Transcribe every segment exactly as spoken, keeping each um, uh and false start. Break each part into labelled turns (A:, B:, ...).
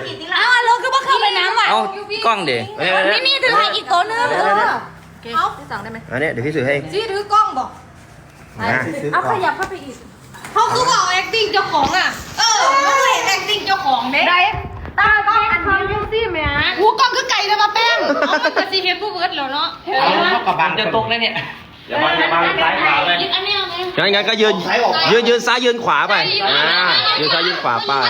A: กี่ทีละอ้าวเราคือว่าเข้าไปน้ำว่ะ
B: เอากล้องดิ
A: ไม่มีถือให้อีกตัวนึงเอาที่สั่งได้ไหม
C: อันนี้เดี๋ยวพี่สื่อให้
A: จี้ถือกล้องบอก
C: นะ
A: เอาขยับเข้าไปอีกเขาคือบอก acting เจ้าของอ่ะเออเขาเห็น acting เจ้าของเด้ได้ตากล้องอันนี้ยูซี่แม่หูกล้องคือไก่เลยมาแป้งเอามันจะซีเห็นผู้เวิร์ดแล้วเนาะ
B: เอากับบางจะตกแล้วเนี่ยอย่ามาอย่ามาซ้ายขวาเลย
A: อันนี้เอาไหม
C: งั้นงั้นก็ยืนยืนยืนซ้ายยืนขวาไปอ่ายืนซ้ายยืนขวาไป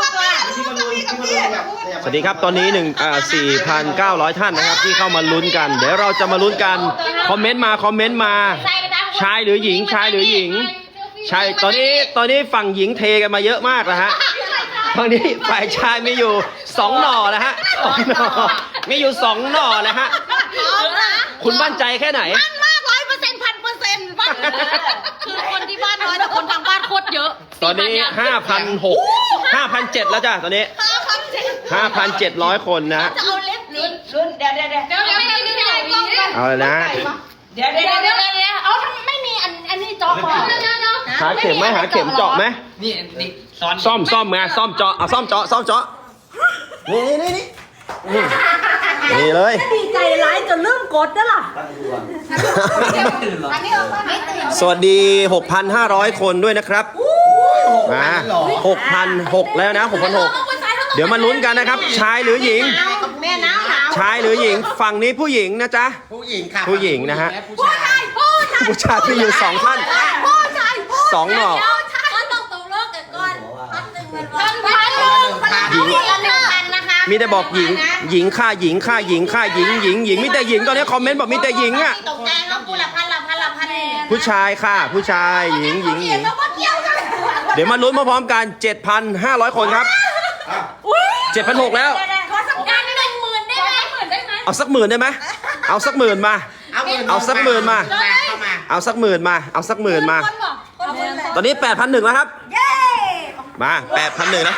C: สวัสดีครับตอนนี้หนึ่งอ่าสี่พันเก้าร้อยท่านนะครับที่เข้ามาลุ้นกันเดี๋ยวเราจะมาลุ้นกันคอมเมนต์มาคอมเมนต์มาชายหรือหญิงชายหรือหญิงชายตอนนี้ตอนนี้ฝั่งหญิงเทกันมาเยอะมากนะฮะตอนนี้ฝ่ายชายมีอยู่สองหน่อนะฮะสองหน่อมีอยู่สองหน่อนะฮะคุณมั่นใจแค่ไหน
A: มั่นมากร้อยเปอร์เซ็นต์พันเปอร์เซ็นต์มั่นคือคนที่บ้านน้อยแต่คนทางบ้านโคตรเยอะ
C: ตอนนี้ห้าพันหกห้าพันเจ็ดแล้วจ้ะตอนนี้ห้าพันเจ็ดร้อยคนนะ
A: จะเอาเล็บลุ้น
D: รุ่นเดี๋ยวเดี๋ยวเดี๋ยว
A: เดี๋ยวไม่ได้ไม่ได้กล้องกัน
C: เอาเลยนะ
D: เดี๋ยว
A: เดี๋
D: เดี๋
A: ย
D: ยว ว
A: เดี๋ยวเดี๋ยวเอาทำไม่มีอันอันนี้จอก่อนเนาะเนาะ
C: หาเข็มไหมหาเข็มเจาะไหม
B: นี่นี่ซ้อน
C: ซ่อมซ่อมไงซ่อมเจาะเอาซ่อมเจาะซ่อมเจาะนี่นี่นี่นี่นี่เลย
A: ดีใจร้ายจนเริ่มกดแล้วล่ะ
B: ตื่นหรอ
A: อันนี้เอาไม่ตื่น
C: สวัสดี หกพันห้าร้อย คนด้วยนะครับมาหกพันหกแล้วนะหกพันหกเดี๋ยวมาลุ้นกันนะครับ ชายหรือหญิง
A: แม่หนาวหนาว
C: ชายหรือหญิงฝั่งนี้ผู้หญิงนะจ๊ะ
D: ผู้หญิงค่ะ
C: ผู้หญิงนะฮะ
D: ผู้
A: ผู้
D: ชาย
A: ชายผู้ชาย
C: ผู้ชายที่อยู่สองท่าน
A: ผู้ชาย
C: สองหน่อ
A: เดี๋ยวชายเขาต้องตกเลิกกันก่อนพันหนึ่งพันพันหนึ่งพันหนึ่งพันนะคะ
C: มีแต่บอกหญิง หญิงค่าหญิงค่าหญิงค่าหญิงหญิงหญิงมีแต่หญิงตอนนี้คอมเมนต์บอกมีแต่หญิงอ่ะ
A: ตกใจเขาพูดละพันละพันละพันเนี่ย
C: ผู้ชายค่ะ ผู้ชายหญิงหญิงหญิง
A: แล้วก็เกี่ยวกัน
C: เดี๋ยวมาลุ้นพร้อมๆกัน เจ็ดพันห้าร้อย คนครับ เจ็ดพันหกแล้ว
A: ขอสักการหนึ่งหมื่นได้ไหมหมื่นได้ไหม
C: เอาสักหมื่นได้ไหมเอาสักหมื่นมา
D: เอาหมื่น
C: เอาสักหมื่นมา
D: เข้ามา
C: เอาสักหมื่นมา เอาสักหมื่นมา
A: คนบอกคนเลย
C: ตอนนี้แปดพันหนึ่งแล้วครับ
A: เย้
C: มาแปดพันหนึ่งแล้ว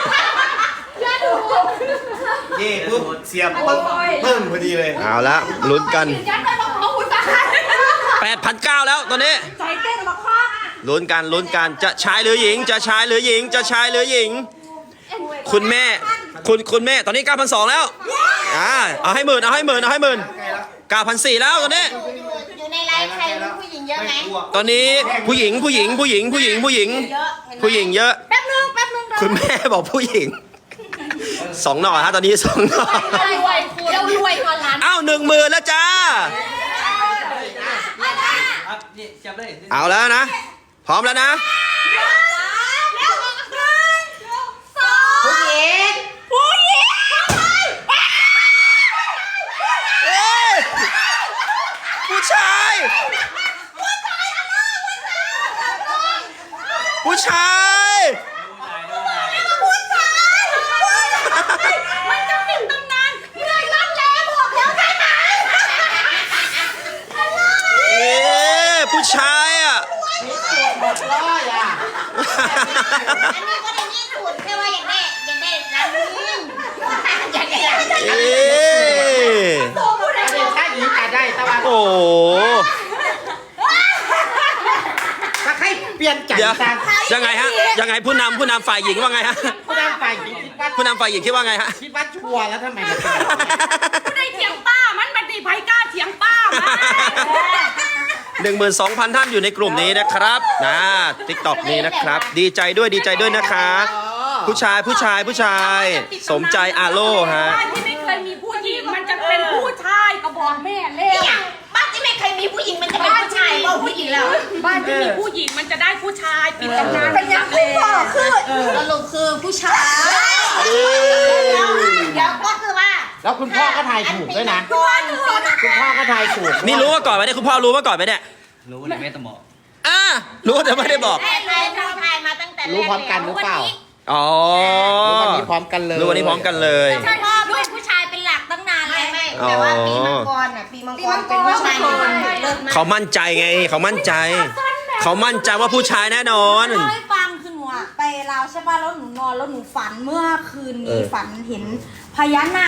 E: นี่ปุ๊บเสียบปุ๊บเพิ่มพอดีเลย
C: เอาละลุ้นกัน
A: ยัดไปบอกเขาคุณตา
C: แปดพันเก้าแล้วตอนนี้
A: ใจเต้นบอกพ่อ
C: ลุ้นกันลุ้นกันจะชายหรือหญิง จะชายหรือหญิง จะชายหรือหญิง คุณแม่ คุณคุณแม่ตอนนี้เก้าพันสองแล้วอ่าเอาให้หมื่นเอาให้หมื่นเอาให้หมื่นเก้าพันสี่แล้วตอนนี้
A: อยู่ในไลฟ์ใครมีผู้หญิงเยอะไหม
C: ตอนนี้ผู้หญิงผู้หญิงผู้หญิงผู้หญิงผู้หญิง ผู้หญิงเยอะ
A: แป๊บนึงแป๊บนึง
C: คุณแม่บอกผู้หญิงสองหน่อฮะตอนนี้สองหน่อ
A: รวยคุณเรารวยกว่าล้าน
C: อ้าวหนึ่งหมื่นแล้วจ้า
B: นี่จับเลย
C: เอาแล้วนะ พร้อมแล้วนะ
D: ผู้หญิง
A: ผู้หญิง
C: เอ้ยผู้ชาย ผู้ชาย
A: มันจะเป็นตำนานเมื่อยรัดแล้วบอกแล้วใช่ไหม
C: เอ๊ะผู้ชายอ่ะ
D: หมดร้อยอ่ะ
A: อันนี้ก็ได้นี่สุดแค่ว่าอยากได้อยากได้ร้านนี้อยากได้ร้านนี้
C: เอ๊ะ
A: โตผู้ใด
D: ถ้าเป็นชายหญิงก็ได้แต่ว่า
C: โอ้โห
D: ถ้าใครเปลี่ยนใจ
C: เดี๋ยว
D: ซะ
C: ยังไงฮะยังไงผู้นำผู้นำฝ่ายหญิงว่าไงฮะ
D: ผู้นำฝ่ายหญิงคิดว่า
C: ผู้นำฝ่ายหญิงคิดว่าไงฮะ
D: คิดว่าชัวร์แล้วทำไมมันเป็นแบบนี้
A: ผู้ใดเถียงป้ามันบัดดีไผกล้าเถียงป้ามา
C: หนึ่งหมื่นสองพันท่านอยู่ในกลุ่มนี้นะครับนะติ๊กต็อกนี้นะครับ ดีใจด้วยดีใจด้วยนะคะ ผู้ชายผู้ชายผู้ชาย สมใจอาโลฮะ
A: บ้านที่ไม่เคยมีผู้หญิงมันจะเป็นผู้ชายก็บอกแม่แล้วบ้านที่ไม่เคยมีผู้หญิงมันจะเป็นผู้ชายบอกผู้หญิงแล้วบ้านที่มีผู้หญิงมันจะได้ผู้ชายปิดตำนานเป็นยังผู้พ่อคือสรุปคือผู้ชายเดี๋ยวก็คือว่า
D: แล้วคุณพ่อก็ทายถูกด้วยนะ
A: คุณพ่อถูก
D: คุณพ่อก็ทายถูก
C: นี่รู้มาก่อนไหมเนี่ยคุณพ่อรู้มาก่อนไหมเนี่ย
B: รู้เลยแม่ตะหมอ
C: อ่ารู้แต่ไม่ได้บอก
A: แม่เลยทำทายมาตั้งแต่แรก
D: รู้พร้อมกันหรือเปล่า
C: อ๋อ
D: รู้วันนี้พร้อมกันเลย
C: รู้วันนี้พร้อมกันเลย
A: ใช่พ่อด้วยผู้ชายเป็นหลักตั้งนานเลยไม่
C: อ๋อ
A: แต่ว่าปีมังกรอ่ะปีมังกรเป็นผู้ชายเลิศมาก
C: เขามั่นใจไงเขามั่นใจ เขามั่นใจว่าผู้ชายแน่นอน
F: เล่าให้ฟังคือหนูอะไปลาวใช่ป่ะแล้วหนูนอนแล้วหนูฝันเมื่อคืนนี้ฝันเห็นพญานาค